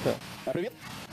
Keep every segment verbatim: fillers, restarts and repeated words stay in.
Привіт.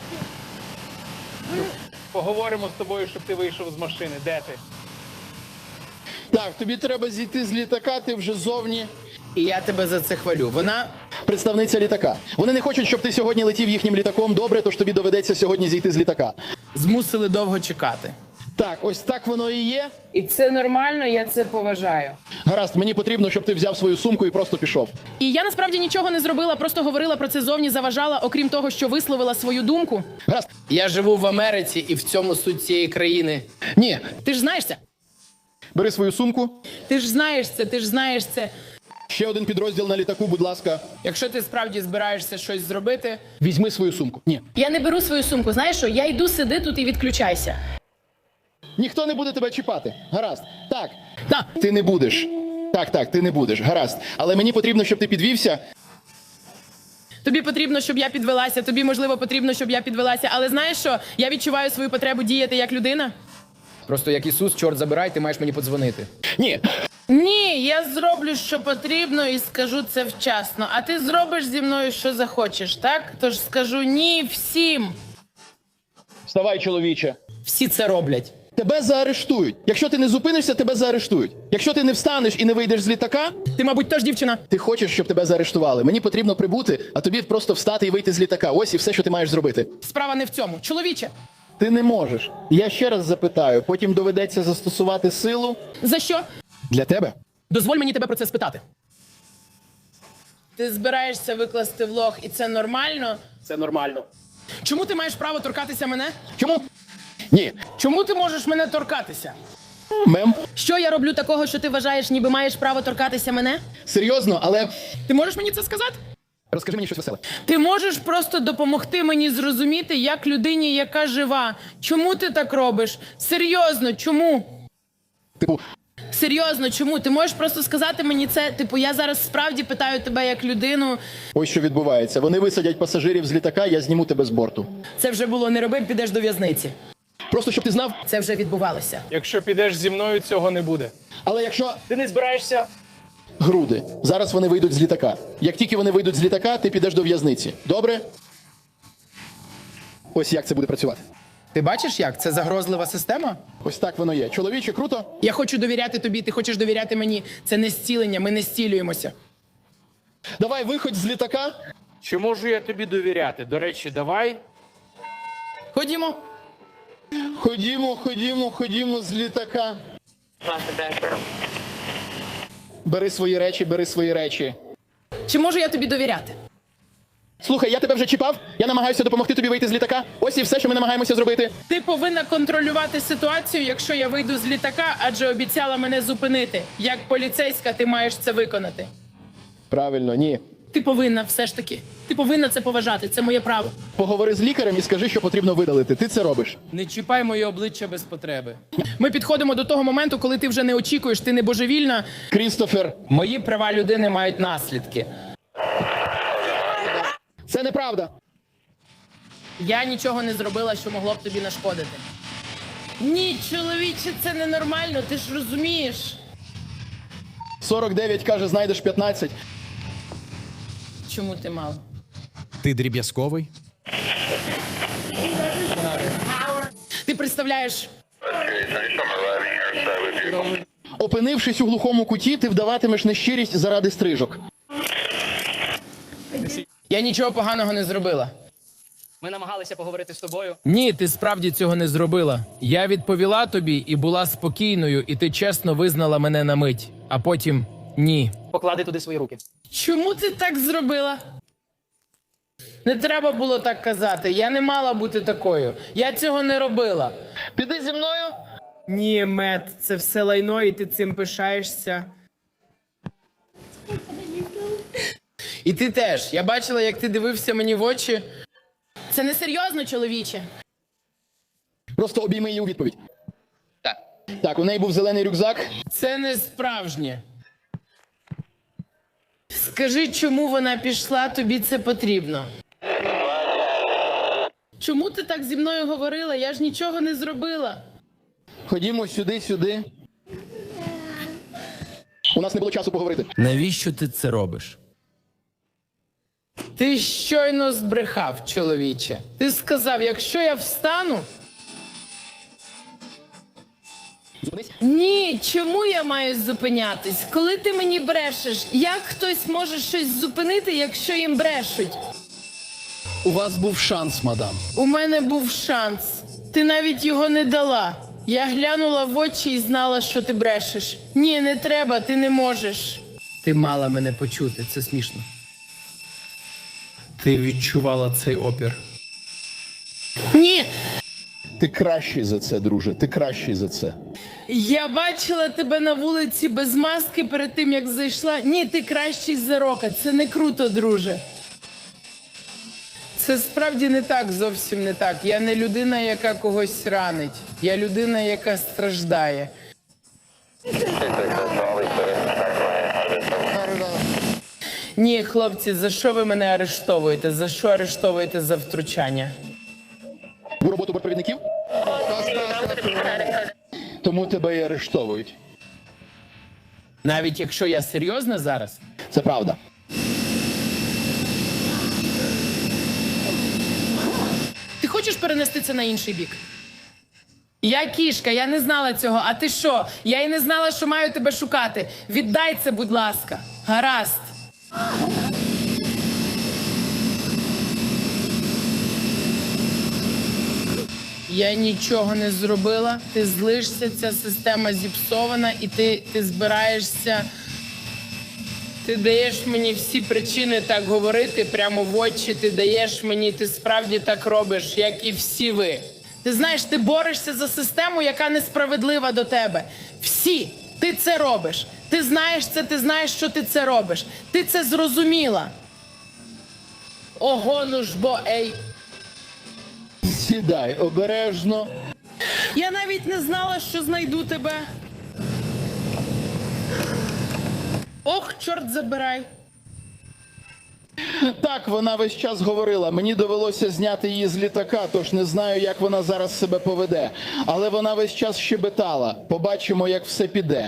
Поговоримо з тобою, щоб ти вийшов з машини. Де ти? Так, тобі треба зійти з літака, ти вже зовні. І я тебе за це хвалю. Вона Представниця літака. Вони не хочуть, щоб ти сьогодні летів їхнім літаком. Добре, тож тобі доведеться сьогодні зійти з літака. змусили довго чекати. Так, ось так воно і є. І це нормально, я це поважаю. Гаразд, мені потрібно, щоб ти взяв свою сумку і просто пішов. І я насправді нічого не зробила, просто говорила про це зовні, заважала, окрім того, що висловила свою думку. Гаразд. Я живу в Америці і в цьому суть цієї країни. Ні, Ти ж знаєш це? бери свою сумку. Ти ж знаєш це, ти ж знаєш це. Ще один підрозділ на літаку, будь ласка. Якщо ти справді збираєшся щось зробити, Візьми свою сумку. Ні. Я не беру свою сумку, знаєш що? Я йду, сиди тут і відключайся. Ніхто не буде тебе чіпати. Гаразд. Так. Так. Ти не будеш. Так, так, ти не будеш. Гаразд. Але мені потрібно, щоб ти підвівся. Тобі потрібно, щоб я підвелася, тобі, можливо, потрібно, щоб я підвелася. Але знаєш що? Я відчуваю свою потребу діяти як людина. просто як Ісус, чорт забирай, ти маєш мені подзвонити. Ні. Ні, я зроблю, що потрібно, і скажу це вчасно. А ти зробиш зі мною, що захочеш, так? Тож скажу ні всім. Вставай, чоловіче. Всі це роблять. Тебе заарештують. Якщо ти не зупинишся, тебе заарештують. Якщо ти не встанеш і не вийдеш з літака, Ти, мабуть, теж дівчина. ти хочеш, щоб тебе заарештували. Мені потрібно прибути, а тобі просто встати і вийти з літака. Ось і все, що ти маєш зробити. Справа не в цьому. Чоловіче, Ти не можеш. Я ще раз запитаю, потім доведеться застосувати силу. за що? Для тебе? Дозволь мені тебе про це спитати. Ти збираєшся викласти влог, і це нормально? Це нормально. Чому ти маєш право торкатися мене? Чому? Ні. Чому ти можеш мене торкатися? Мем. Що я роблю такого, що ти вважаєш, ніби маєш право торкатися мене? Серйозно, але Ти можеш мені це сказати? розкажи мені щось веселе. Ти можеш просто допомогти мені зрозуміти, як людині, яка жива. Чому ти так робиш? Серйозно, чому? Типу, Серйозно, чому? Ти можеш просто сказати мені це? Типу, я зараз справді питаю тебе як людину. ось що відбувається. Вони висадять пасажирів з літака, я зніму тебе з борту. Це вже було не роби, підеш до в'язниці. Просто щоб ти знав, Це вже відбувалося. Якщо підеш зі мною, цього не буде. але якщо Ти не збираєшся? груди, зараз вони вийдуть з літака. Як тільки вони вийдуть з літака, ти підеш до в'язниці. Добре? Ось як це буде працювати. Ти бачиш як? Це загрозлива система? Ось так воно є. Чоловіче, круто? Я хочу довіряти тобі, ти хочеш довіряти мені. Це не зцілення, ми не зцілюємося. Давай виходь з літака. Чи можу я тобі довіряти? До речі, давай. Ходімо. Ходімо, ходімо, ходімо з літака. Бери свої речі, бери свої речі. Чи можу я тобі довіряти? Слухай, я тебе вже чіпав, я намагаюся допомогти тобі вийти з літака. Ось і все, що ми намагаємося зробити. Ти повинна контролювати ситуацію, якщо я вийду з літака, адже обіцяла мене зупинити. Як поліцейська, ти маєш це виконати. Правильно, ні. Ти повинна все ж таки. Ти повинна це поважати, це моє право. Поговори з лікарем і скажи, що потрібно видалити. Ти це робиш. Не чіпай моє обличчя без потреби. Ми підходимо до того моменту, коли ти вже не очікуєш, ти не божевільна. Крістофер, Мої права людини мають наслідки. це неправда. Я нічого не зробила, що могло б тобі нашкодити. Ні, чоловіче, це ненормально, ти ж розумієш. сорок дев'ять каже, знайдеш п'ятнадцять. Чому ти мало? Ти дріб'язковий? Ти представляєш, Опинившись у глухому куті, ти вдаватимеш нещирість заради стрижок. Я нічого поганого не зробила. Ми намагалися поговорити з тобою. Ні, ти справді цього не зробила. Я відповіла тобі і була спокійною, і ти чесно визнала мене на мить. А потім ні. Поклади туди свої руки. Чому ти так зробила? Не треба було так казати. Я не мала бути такою. Я цього не робила. Піди зі мною. Ні, Мет, це все лайно, і ти цим пишаєшся. і ти теж. Я бачила, як ти дивився мені в очі. Це не серйозно, чоловіче. Просто обійми її у відповідь. Так. Так, у неї був зелений рюкзак. Це не справжнє. Скажи, чому вона пішла, тобі це потрібно. Чому ти так зі мною говорила? Я ж нічого не зробила. Ходімо сюди, сюди. У нас не було часу поговорити. Навіщо ти це робиш? Ти Ти щойно збрехав, чоловіче. Ти сказав, якщо я встану. Ні, чому я маю зупинятись? Коли ти мені брешеш, як хтось може щось зупинити, якщо їм брешуть? У вас був шанс, мадам. У мене був шанс. Ти навіть його не дала. Я глянула в очі і знала, що ти брешеш. Ні, не треба, ти не можеш. Ти мала мене почути, це смішно. Ти відчувала цей опір. Ні! Ти кращий за це, друже, ти кращий за це. Я бачила тебе на вулиці без маски перед тим, як зайшла. Ні, ти кращий за Рока. Це не круто, друже. Це справді не так, зовсім не так. Я не людина, яка когось ранить. Я людина, яка страждає. Ні, хлопці, за що ви мене арештовуєте? За що арештовуєте за втручання? У роботу бортпровідників? Тому тебе і арештовують. Навіть якщо я серйозна зараз? Це правда. Ти хочеш перенести це на інший бік? Я кішка, я не знала цього. А ти що? Я й не знала, що маю тебе шукати. Віддай це, будь ласка. Гаразд. Я нічого не зробила. Ти злишся, ця система зіпсована, і ти, ти збираєшся. Ти даєш мені всі причини так говорити прямо в очі. Ти даєш мені, ти справді так робиш, як і всі ви. Ти знаєш, ти борешся за систему, яка несправедлива до тебе. Всі. Ти це робиш. Ти знаєш це, ти знаєш, що ти це робиш. Ти це зрозуміла. Ого, ну ж бо, ей. Сідай обережно. Я навіть не знала, що знайду тебе. Ох, чорт забирай. Так, вона весь час говорила. Мені довелося зняти її з літака, тож не знаю, як вона зараз себе поведе. Але вона весь час щебетала. Побачимо, як все піде.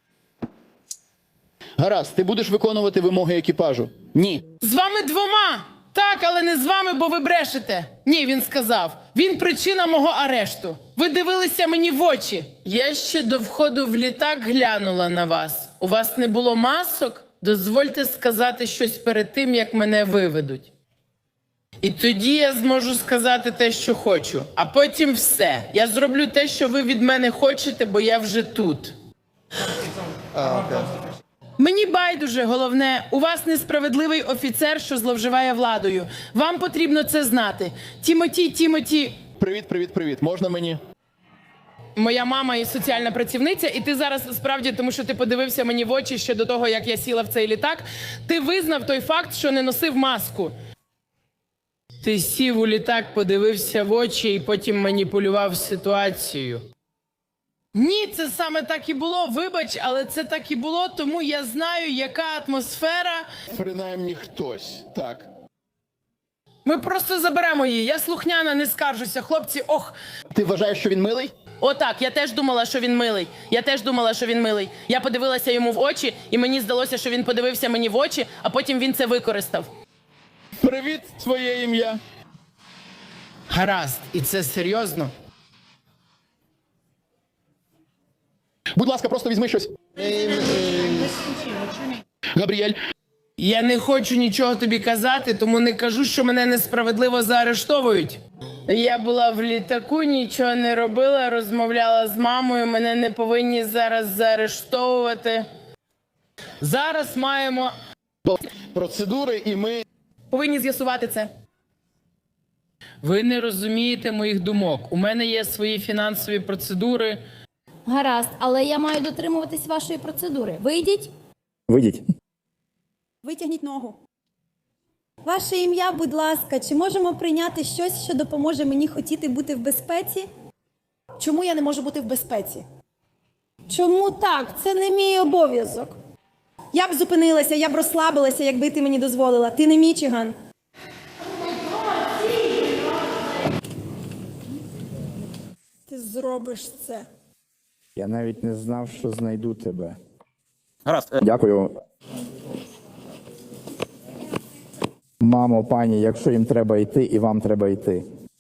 Гаразд, ти будеш виконувати вимоги екіпажу? Ні. З вами двома. Так, але не з вами, бо ви брешете. Ні, він сказав. Він причина мого арешту. Ви дивилися мені в очі. Я ще до входу в літак глянула на вас. У вас не було масок? Дозвольте сказати щось перед тим, як мене виведуть. І тоді я зможу сказати те, що хочу. А потім все. Я зроблю те, що ви від мене хочете, бо я вже тут. Мені байдуже, головне, у вас несправедливий офіцер, що зловживає владою. Вам потрібно це знати. Тімоті, Тімоті... Привіт, привіт, привіт. Можна мені? Моя мама і соціальна працівниця, і ти зараз справді, тому що ти подивився мені в очі ще до того, як я сіла в цей літак, ти визнав той факт, що не носив маску. Ти сів у літак, подивився в очі і потім маніпулював ситуацією. Ні, це саме так і було. Вибач, але це так і було, тому я знаю, яка атмосфера. Принаймні хтось, так. Ми просто заберемо її. Я слухняна, не скаржуся. Хлопці, ох. Ти вважаєш, що він милий? Отак, я теж думала, що він милий. Я теж думала, що він милий. Я подивилася йому в очі, і мені здалося, що він подивився мені в очі, а потім він це використав. Привіт, твоє ім'я. Гаразд, і це серйозно? Будь ласка, просто візьми щось. Габріель. Я не хочу нічого тобі казати, тому не кажу, що мене несправедливо заарештовують. Я була в літаку, нічого не робила, розмовляла з мамою, мене не повинні зараз заарештовувати. Зараз маємо... Процедури, і ми... Повинні з'ясувати це. Ви не розумієте моїх думок. У мене є свої фінансові процедури. Гаразд, але я маю дотримуватись вашої процедури. Вийдіть. Вийдіть. Витягніть ногу. Ваше ім'я, будь ласка, чи можемо прийняти щось, що допоможе мені хотіти бути в безпеці? Чому я не можу бути в безпеці? Чому так? Це не мій обов'язок. Я б зупинилася, я б розслабилася, якби ти мені дозволила. Ти не Мічиган. Ти зробиш це. Я навіть не знав, що знайду тебе. Гаразд. Дякую. Мамо, пані, якщо їм треба йти, і вам треба йти,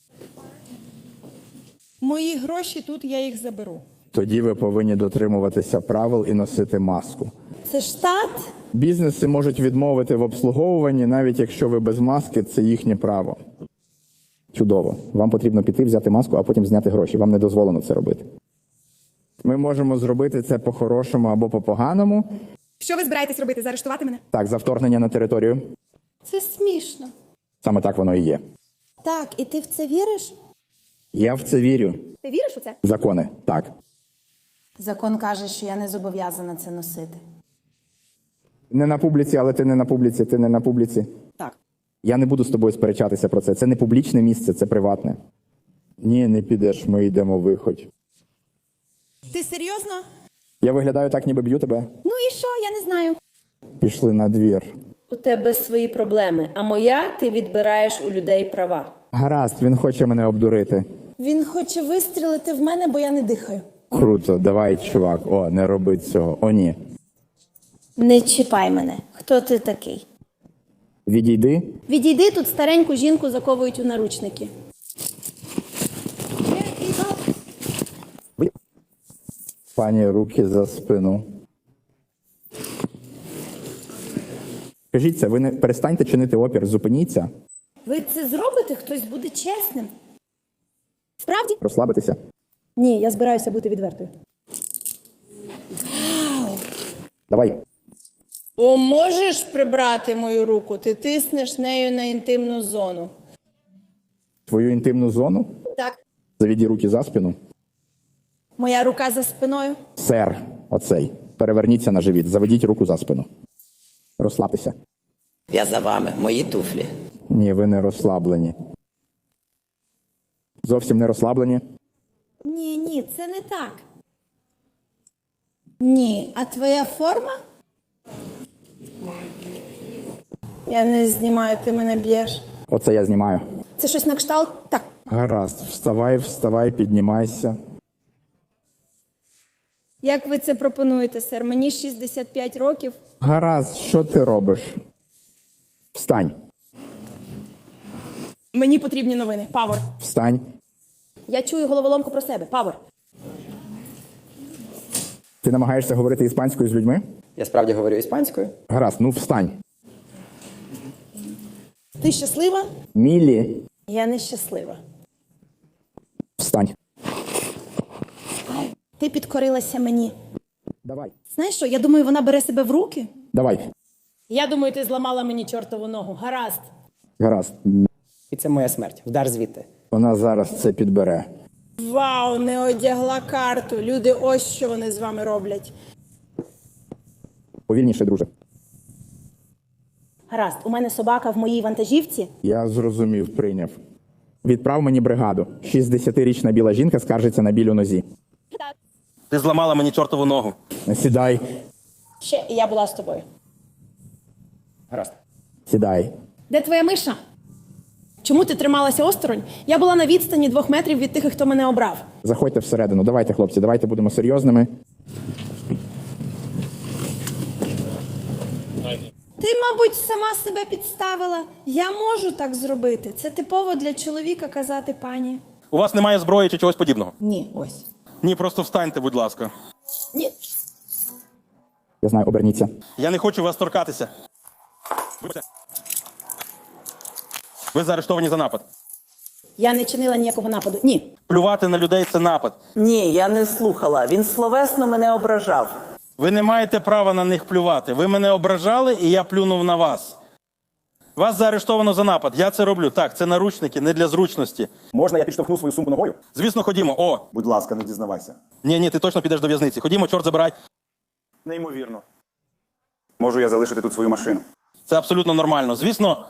Мої гроші тут, я їх заберу. тоді ви повинні дотримуватися правил і носити маску. Це штат? Бізнеси можуть відмовити в обслуговуванні, навіть якщо ви без маски, це їхнє право. Чудово. Вам потрібно піти, взяти маску, а потім зняти гроші. Вам не дозволено це робити. Ми можемо зробити це по-хорошому або по-поганому. Що ви збираєтесь робити? Заарештувати мене? Так, за вторгнення на територію. Це смішно. Саме так воно і є. Так, і ти в це віриш? Я в це вірю. Ти віриш у це? Закони. Так. Закон каже, що я не зобов'язана це носити. Не на публіці, але ти не на публіці, ти не на публіці. Так. Я не буду з тобою сперечатися про це. Це не публічне місце, це приватне. Ні, не підеш, ми йдемо виходь. Ти серйозно? Я виглядаю так, ніби б'ю тебе. Ну і що? Я не знаю. Пішли на двір. У тебе свої проблеми, а моя ти відбираєш у людей права. Гаразд, він хоче мене обдурити. Він хоче вистрілити в мене, бо я не дихаю. Круто, давай, чувак. О, не роби цього. О, ні. Не чіпай мене. Хто ти такий? Відійди. Відійди, тут стареньку жінку заковують у наручники. Пані, руки за спину. Скажіть це, ви не перестаньте чинити опір, зупиніться, Ви це зробите? Хтось буде чесним. Справді? розслабитися. Ні, я збираюся бути відвертою. Давай. О, можеш прибрати мою руку? Ти тиснеш нею на інтимну зону. Твою інтимну зону. Так. Завіді руки за спину. Моя рука за спиною. Сер, оцей. Переверніться на живіт, заведіть руку за спину. Розслабтеся. Я за вами, мої туфлі. Ні, ви не розслаблені. Зовсім не розслаблені. Ні, ні, це не так. Ні, а твоя форма? Я не знімаю, ти мене б'єш. Оце я знімаю. Це щось на кшталт? Так. Гаразд, вставай, вставай, піднімайся. Як ви це пропонуєте, сер? Мені шістдесят п'ять років. Гаразд, що ти робиш? Встань, Мені потрібні новини. Павор. встань. Я чую головоломку про себе. Павор. Ти намагаєшся говорити іспанською з людьми? Я справді говорю іспанською. Гаразд, ну встань. Ти щаслива? Мілі, Я нещаслива. встань. Ти підкорилася мені. Давай. Знаєш що, я думаю, вона бере себе в руки. Давай. Я думаю, ти зламала мені чортову ногу. Гаразд. Гаразд. І це моя смерть. Вдар звідти. Вона зараз це підбере. Вау, не одягла карту. Люди, ось що вони з вами роблять. Повільніше, друже. Гаразд, у мене собака в моїй вантажівці. Я зрозумів, прийняв. Відправ мені бригаду. шістдесятирічна біла жінка скаржиться на біль у нозі. Ти зламала мені чортову ногу. Сідай, Ще і я була з тобою. Гаразд. сідай. Де твоя миша? Чому ти трималася осторонь? Я була на відстані двох метрів від тих, хто мене обрав. Заходьте всередину. Давайте, хлопці, давайте будемо серйозними. Ти, мабуть, сама себе підставила. Я можу так зробити. Це типово для чоловіка казати пані. У вас немає зброї чи чогось подібного? Ні, ось. Ні, просто встаньте, будь ласка. Ні. Я знаю, оберніться. Я не хочу вас торкатися. Вибачте. Ви заарештовані за напад. Я не чинила ніякого нападу. Ні. Плювати на людей – це напад. Ні, я не слухала. Він словесно мене ображав. Ви не маєте права на них плювати. Ви мене ображали, і я плюнув на вас. Вас заарештовано за напад. Я це роблю. Так, це наручники, не для зручності. Можна я підштовхну свою сумку ногою? Звісно, ходімо. О! Будь ласка, не дізнавайся. Ні, ні, ти точно підеш до в'язниці. Ходімо, чорт забирай. Неймовірно. Можу я залишити тут свою машину? Це абсолютно нормально. Звісно,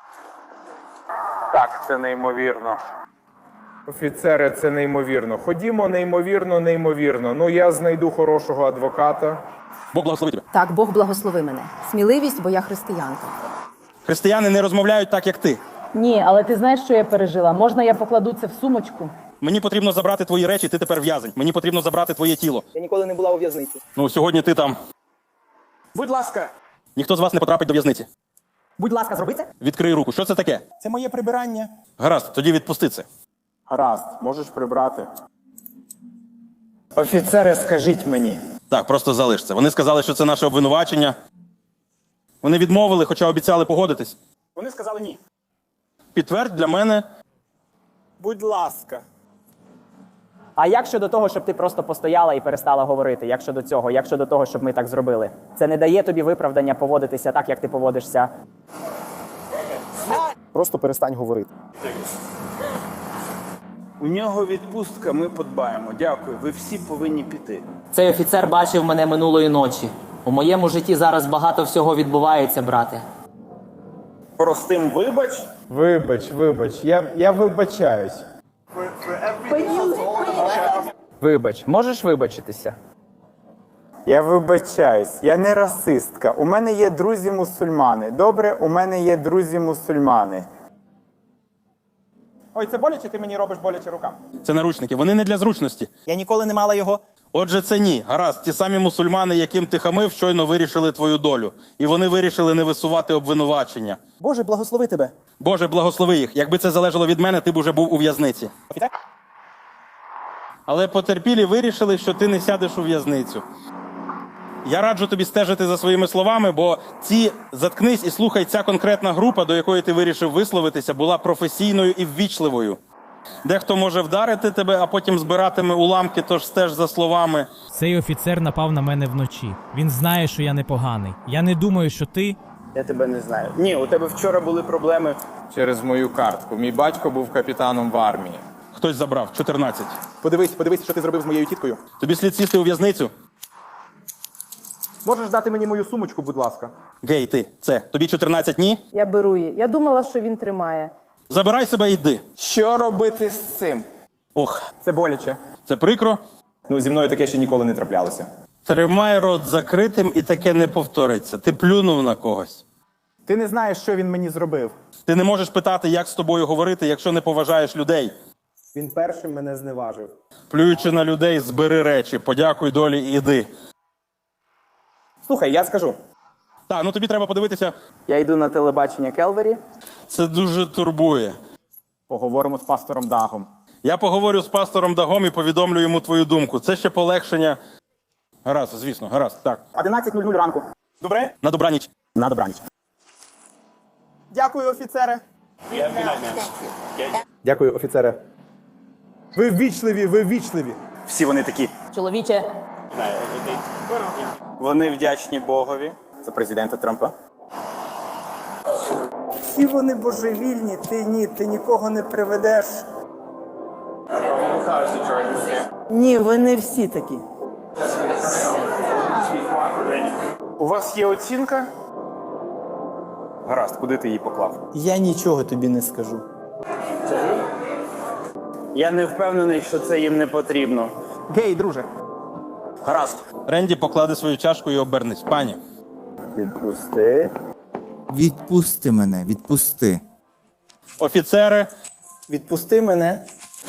Так, це неймовірно. Офіцери, це неймовірно. Ходімо, неймовірно, неймовірно. Ну, я знайду хорошого адвоката. Бог благословить тебе. Так, Бог благослови мене. Сміливість, бо я християнка. Християни не розмовляють так, як ти. Ні, але ти знаєш, що я пережила? Можна я покладу це в сумочку? Мені потрібно забрати твої речі, ти тепер в'язень. Мені потрібно забрати твоє тіло. Я ніколи не була у в'язниці. Ну, сьогодні ти там. Будь ласка. Ніхто з вас не потрапить до в'язниці. Будь ласка, зроби це. Відкрий руку. Що це таке? Це моє прибирання. Гаразд, тоді відпусти це. Гаразд, можеш прибрати. Офіцери, скажіть мені. Так, просто залиш це. Вони сказали, що це наше обвинувачення. Вони відмовили, хоча обіцяли погодитись. Вони сказали ні. Підтвердь для мене. Будь ласка. А як щодо того, щоб ти просто постояла і перестала говорити? Як щодо цього? Як щодо того, щоб ми так зробили? Це не дає тобі виправдання поводитися так, як ти поводишся. Просто перестань говорити. У нього відпустка, ми подбаємо. Дякую. Ви всі повинні піти. Цей офіцер бачив мене минулої ночі. У моєму житті зараз багато всього відбувається, брате. Простим вибач. Вибач, вибач, я, я вибачаюсь. Вибач, можеш вибачитися? Я вибачаюсь, я не расистка. У мене є друзі-мусульмани. Добре, у мене є друзі-мусульмани. Ой, це боляче, ти мені робиш боляче рукам. Це наручники. Вони не для зручності. Я ніколи не мала його. Отже, це ні. Гаразд, ті самі мусульмани, яким ти хамив, щойно вирішили твою долю. І вони вирішили не висувати обвинувачення. Боже, благослови тебе. Боже, благослови їх. Якби це залежало від мене, ти б уже був у в'язниці. Але потерпілі вирішили, що ти не сядеш у в'язницю. Я раджу тобі стежити за своїми словами, бо ці «заткнись і слухай» ця конкретна група, до якої ти вирішив висловитися, була професійною і ввічливою. Дехто може вдарити тебе, а потім збиратиме уламки, тож стеж за словами. Цей офіцер напав на мене вночі. Він знає, що я непоганий. Я не думаю, що ти... Я тебе не знаю. Ні, у тебе вчора були проблеми. Через мою картку. Мій батько був капітаном в армії. Хтось забрав. чотирнадцять. Подивись, подивись, що ти зробив з моєю тіткою. Тобі слід сісти у в'язницю. Можеш дати мені мою сумочку, будь ласка? Гей, ти, це, тобі чотирнадцять, ні? Я беру її. Я думала, що він тримає. Забирай себе і йди. Що робити з цим? Ох, Це боляче. це прикро. Ну, зі мною таке ще ніколи не траплялося. Тримай рот закритим і таке не повториться. Ти плюнув на когось. Ти не знаєш, що він мені зробив. Ти не можеш питати, як з тобою говорити, якщо не поважаєш людей. Він першим мене зневажив. Плюючи на людей, збери речі, подякуй долі і йди. Слухай, я скажу. Так, ну тобі треба подивитися. Я йду на телебачення Келвері. Це дуже турбує. Поговоримо з пастором Дагом. Я поговорю з пастором Дагом і повідомлю йому твою думку. Це ще полегшення. Гаразд, звісно, гаразд, так. одинадцять нуль нуль ранку. Добре? На добраніч. На добраніч. Дякую, офіцере. Дякую, офіцере. Ви ввічливі, ви ввічливі. Всі вони такі. Чоловіче, Вони вдячні Богові. Це президента Трампа. всі вони божевільні, ти ні, ти нікого не приведеш. Ні, вони всі такі. У вас є оцінка? Гаразд, куди ти її поклав? Я нічого тобі не скажу. Я не впевнений, що це їм не потрібно. Гей, друже. Гаразд. Ренді покладе свою чашку і обернись. Пані. Відпусти. Відпусти мене, відпусти. Офіцери. Відпусти мене.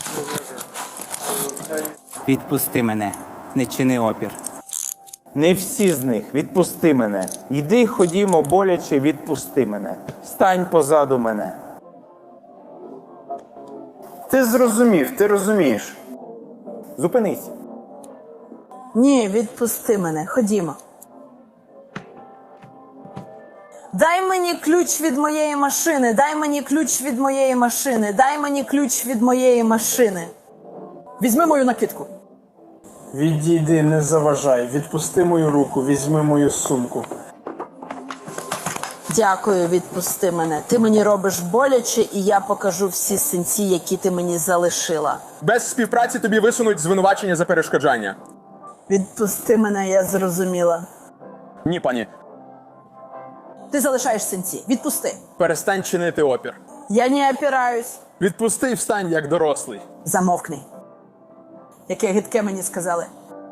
Відпусти мене. Не чини опір. Не всі з них. Відпусти мене. Йди, ходімо, боляче, відпусти мене. Стань позаду мене. Ти зрозумів, ти розумієш. Зупинись. Ні, відпусти мене. Ходімо. Дай мені ключ від моєї машини. Дай мені ключ від моєї машини. Дай мені ключ від моєї машини. Візьми мою накидку. Відійди, не заважай. Відпусти мою руку, візьми мою сумку. Дякую, відпусти мене. Ти мені робиш боляче, і я покажу всі синці, які ти мені залишила. Без співпраці тобі висунуть звинувачення за перешкоджання. Відпусти мене, я зрозуміла. Ні, пані. Ти залишаєш синці. Відпусти. Перестань чинити опір. Я не опираюсь. Відпусти і встань як дорослий. Замовкни. Яке гидке мені сказали.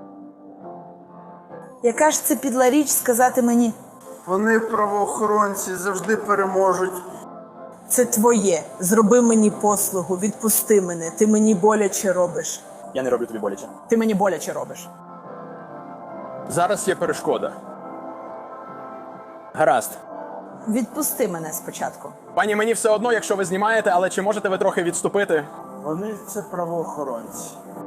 Яка ж це підла річ сказати мені? Вони, правоохоронці, завжди переможуть. Це твоє. Зроби мені послугу, відпусти мене. Ти мені боляче робиш. Я не роблю тобі боляче. Ти мені боляче робиш. Зараз є перешкода. Гаразд. Відпусти мене спочатку. Пані, мені все одно, якщо ви знімаєте, але чи можете ви трохи відступити? Вони це правоохоронці.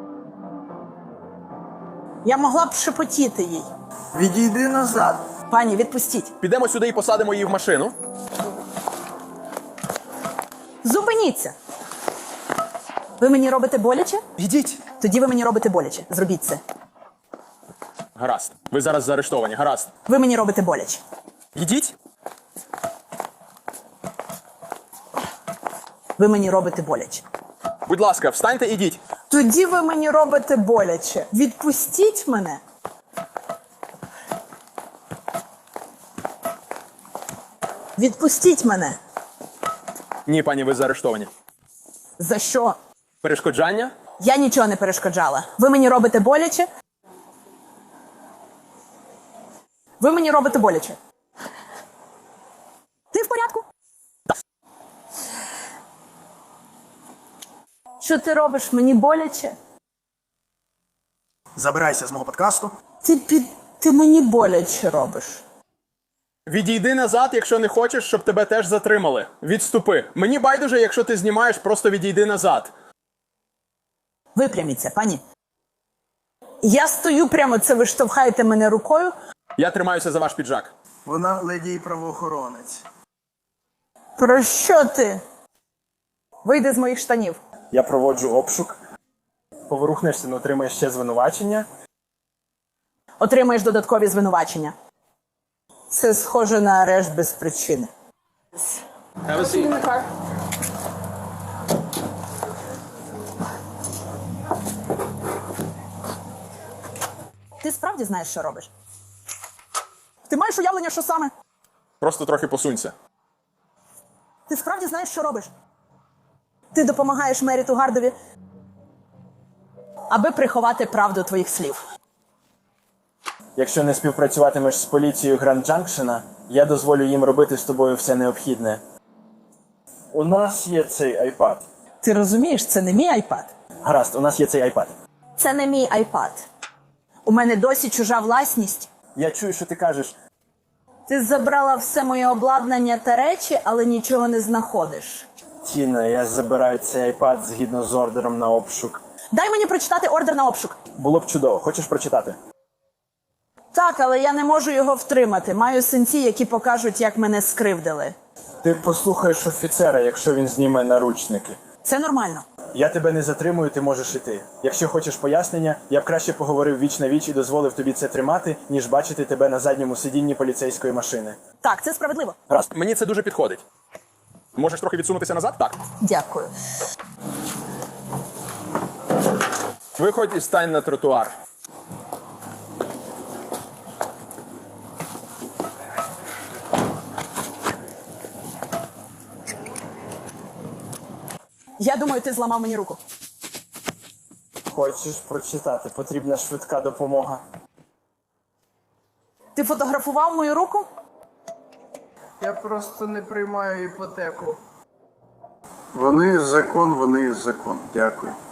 Я могла б шепотіти їй. Відійди назад. Пані, відпустіть. Підемо сюди і посадимо її в машину. Зупиніться. Ви мені робите боляче? Ідіть. Тоді ви мені робите боляче. Зробіть це. Гаразд. Ви зараз заарештовані. Гаразд. Ви мені робите боляче. Ідіть. Ви мені робите боляче. Будь ласка, встаньте, ідіть. Тоді ви мені робите боляче. Відпустіть мене. Відпустіть мене. Ні, пані, ви заарештовані. За що? Перешкоджання? Я нічого не перешкоджала. Ви мені робите боляче. Ви мені робите боляче. Ти в порядку? Що ти робиш? Мені боляче? Забирайся з мого подкасту. Ти під... Ти мені боляче робиш. Відійди назад, якщо не хочеш, щоб тебе теж затримали. Відступи. Мені байдуже, якщо ти знімаєш, просто відійди назад. Випряміться, пані. Я стою прямо, це ви штовхаєте мене рукою. Я тримаюся за ваш піджак. Вона леді і правоохоронець. Про що ти? Вийди з моїх штанів. Я проводжу обшук. Поворухнешся, не отримаєш ще звинувачення. Отримаєш додаткові звинувачення. Це схоже на арешт без причини. Ти справді знаєш, що робиш? Ти маєш уявлення, що саме? Просто трохи посунься. Ти справді знаєш, що робиш? Ти допомагаєш Меріту Гардові, аби приховати правду твоїх слів. Якщо не співпрацюватимеш з поліцією Гранд Джанкшена, я дозволю їм робити з тобою все необхідне. У нас є цей айпад. Ти розумієш, це не мій айпад. Гаразд, у нас є цей айпад. Це не мій айпад. У мене досі чужа власність. Я чую, що ти кажеш. Ти забрала все моє обладнання та речі, але нічого не знаходиш. Тіна, я забираю цей айпад згідно з ордером на обшук. Дай мені прочитати ордер на обшук. Було б чудово. Хочеш прочитати? Так, але я не можу його втримати. Маю синці, які покажуть, як мене скривдили. Ти послухаєш офіцера, якщо він зніме наручники. Це нормально. Я тебе не затримую, ти можеш іти. Якщо хочеш пояснення, я б краще поговорив віч на віч і дозволив тобі це тримати, ніж бачити тебе на задньому сидінні поліцейської машини. Так, це справедливо. Раз. Мені це дуже підходить. Можеш трохи відсунутися назад? Так. Дякую. Виходь і стань на тротуар. Я думаю, ти зламав мені руку. Хочеш прочитати? Потрібна швидка допомога. Ти фотографував мою руку? Я просто не приймаю іпотеку. Вони закон, вони закон. Дякую.